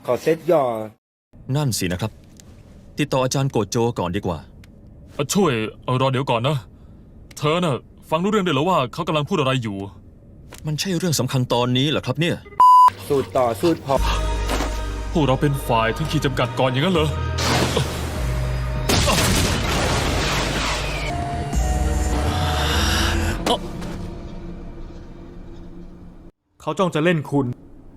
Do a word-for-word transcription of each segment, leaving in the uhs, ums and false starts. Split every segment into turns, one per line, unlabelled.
ขอเซตย่อ
นั่นสินะครับติดต่ออาจารย์โกโจก่อนดีกว่า
ช่วยรอเดี๋ยวก่อนนะเธอน่ะฟังรู้เรื่องได้หรือว่าเขากำลังพูดอะไรอยู่
มันใช่เรื่องสำคัญตอนนี้เหรอครับเนี่ย
สูตรต่อสูตรพอ
พวกเราเป็นฝ่ายถึงขีดจำกัดก่อนอย่างนั้นเหรอ
เขาจ้องจะเล่นคุณ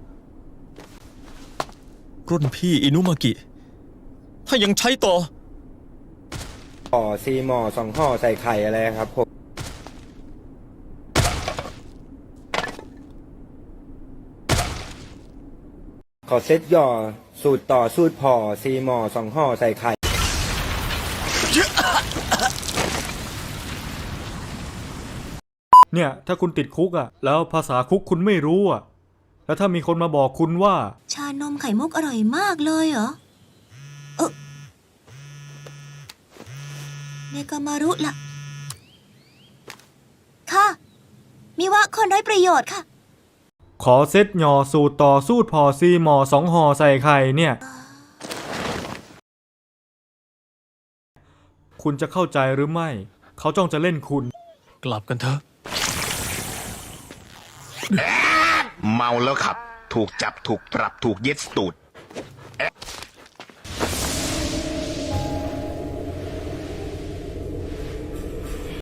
รุ่นพี่อินุมากิถ้ายังใช้ต่อ
ห่อซีหมอสองห่อใส่ไข่อะไรครับผมขอเซตย่อสูตรต่อสูตรพอซีหมอสองห่อใส่ไข่
เนี่ยถ้าคุณติดคุกอ่ะแล้วภาษาคุกคุณไม่รู้อ่ะแล้วถ้ามีคนมาบอกคุณว่า
ชานมไข่มุกอร่อยมากเลยเหรอเออเนกามารุล่ะค่ะมิวะคนไร้ประโยชน์ค่ะ
ขอเซตหย่อสูตรต่อสูตรพอซีหมอสองห่อใส่ไข่เนี่ยคุณจะเข้าใจหรือไม่เขาจ้องจะเล่นคุณ
กลับกันเถอะ
เมาแล้วขับถูกจับถูกปรับถูกเย็ดตูด